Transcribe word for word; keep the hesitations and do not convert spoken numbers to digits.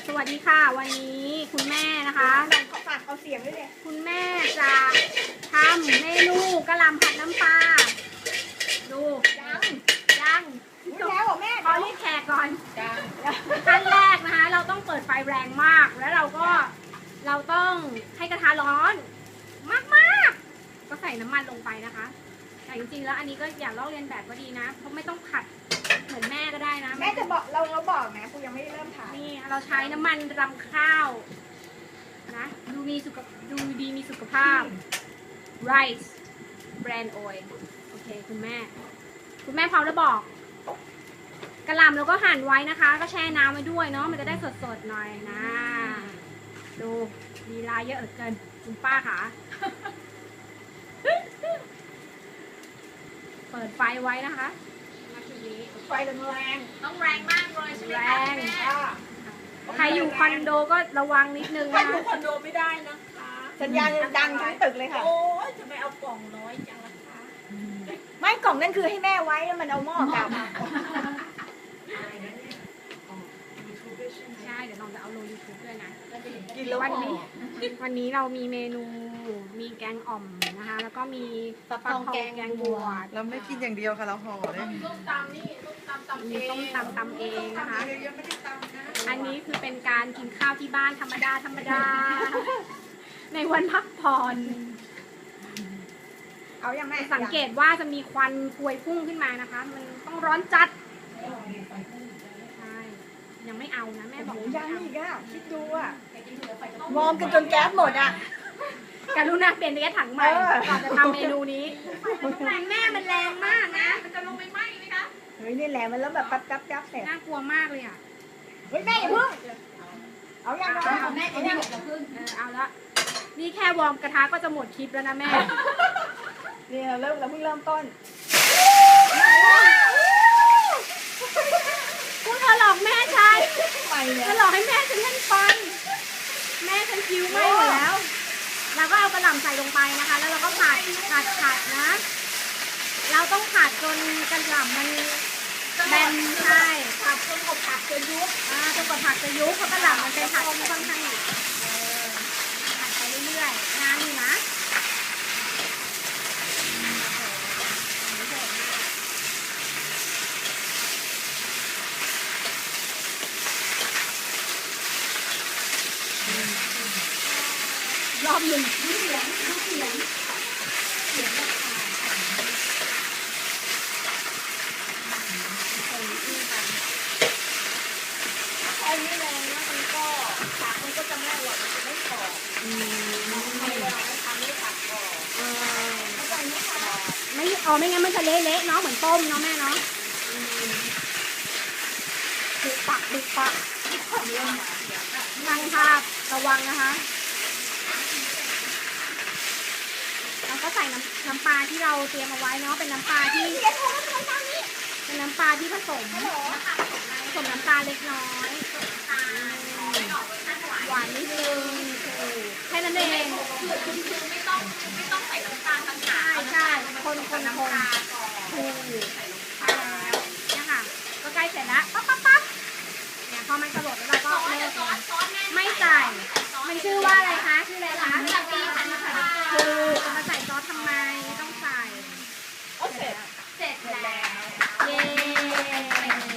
สวัสดีค่ะวันนี้คุณแม่นะคะขอฝากเอาเสียงด้วยเลยคุณแม่จะทำเมนูกะหล่ำผัดน้ำปลาดูยังยังแล้วเหรอแม่ขอเรียกแขกก่อนขั้นแรกนะคะเราต้องเปิดไฟแรงมากแล้วเราก็เราต้องให้กระทะร้อนมากๆก็ใส่น้ำมันลงไปนะคะแต่จริงๆแล้วอันนี้ก็อย่าลอกเลียนแบบก็ดีนะเพราะไม่ต้องผัดเหมือนแม่ก็ได้นะแม่จะบอกเราเราบอกนะกูยังไม่ได้เริ่มถ่ายนี่เราใช้น้ำมันรำข้าวนะดูมีสุขดูดีมีสุขภาพ rice brand oil โอเคคุณแม่คุณแม่พร้อมแล้วบอกกระหล่ำเราก็หั่นไว้นะคะ ก็แช่น้ำไว้ด้วยเนาะมันจะได้สดๆหน่อยนะดูมีลายเยอะเหลือเกินคุณป้าค่ะเปิดไฟไว้นะคะนาทีนี้ไฟแรงต้องแรงมากเลยใช่ไหมแรคะงแม่ใครอยู่คอนโดก็ระวังนิดนึงใครนะอยู่คอนโดไม่ได้นะคะสัญญาณดังทั้งตึกเลยค่ะโอ้ยจะไม่เอากล่องน้อยจังล่ะคะไม่กล่องนั่นคือให้แม่ไว้แล้วมันเอาหม้อกลับใช่เดี๋ยวน้องจะเอาลง ยูทูบ ด้วยนะกินแล้ววันหอนี้วันนี้เรามีเมนูมีแกงอ่อมนะคะแล้วก็มีฟักทองแกงแกงบวชเราไม่กินอย่างเดียวค่ะเราห่อได้มีส้มตำนี่ส้มตำตำเอมีงต้มตำตำเองนะคะยังไม่ได้ตำนะอันนี้คือเป็นการกินข้าวที่บ้านธรรมดาธรรมดา ในวันพักผ่อนเอาอย่างแม่สังเกตว่าจะมีควันพวยพุ่งขึ้นมานะคะ มันต้องร้อนจัดใช่ยังไม่เอานะแม่บโอ้อกโหไม่ยังเอาอีกอ่ะคิดดูอ่ะมองกันจนแก๊สหมดอ่ะกรุณาเปลี่ยนแก๊สถังใหม่เออก่อนจะทำเมนูนี้แม่มันแรงมากนะมันจะลงไปไหมไหมคะเฮ้ยนี่แหละมันแล้วแบบปั๊บปั๊บปั๊บเสร็จน่ากลัวมากเลยอ่ะเฮ้ยแม่อย่าเพิ่งเอาอย่างไรเอาแม่เอาแม่หมดกับพึ่งเออเอาละนี่แค่วอร์มกระทะก็จะหมดคลิปแล้วนะแม่นี่เราเริ่มเราเพิ่งเริ่มต้นพวกเธอหลอกแม่ฉันไปเนี่เธยอหลอกให้แม่ฉันเล่นฟัน แม่ฉันคิ้วไหม้หมดแล้ว เราก็เอากระหล่ำใส่ลงไปนะคะ แล้วเราก็ผัดผัดผัดนะ เราต้องผัดจนกระหล่ำมันแบนใช่ผัดจนกบผัดจนยุบอ่าจนกว่าผักจะยุบเพราะกระหล่ำมันเป็นผักที่ค่อนข้างผัดไปเรื่อยๆนานอยู่นะรอบหนึ่งดูเสียงดูเสียงเสียงแบบคนอื้อกันไอ้นี่แรงนะมันก็ผักมันก็จะไม่อร่อยมันจะไม่กรอบอืมทำเวลาไม่ทำไม่ผักกรอบเออเข้าใจไหมคะไม่อ๋อไม่งั้นมันจะเละๆเนาะเหมือนต้มเนาะแม่เนาะดึกปักดึกปักทางภาพระวังนะคะเราก็ใส่น้ำน้ำปลาที่เราเตรียมเอาไว้เนาะเป็นน้ำปลาที่เป็นน้ำปลาที่ผสมผสมน้ำตาลเล็กน้อยหวานนิดนึงแค่นั้นเองคือคือคือไม่ต้องไม่ต้องใส่น้ำตาลต่างหากใช่คนคนน้ำคนปลาก่อนถูกใช่แล้วเนี่ยค่ะก็ใกล้เสร็จแล้วปั๊บปั๊บปั๊บเนี่ยพอมันกระโดดแล้วเราก็ซอสเลิซกอสซอสแม่ไม่ใส่มันชื่อว่าอะไรคะชื่ออะไรคะน้ำตาลน้ำตาลคือจะมาใส่ซอสทำไมไม่ต้องใส่โอ้เสร็จเสร็จแล้วเย้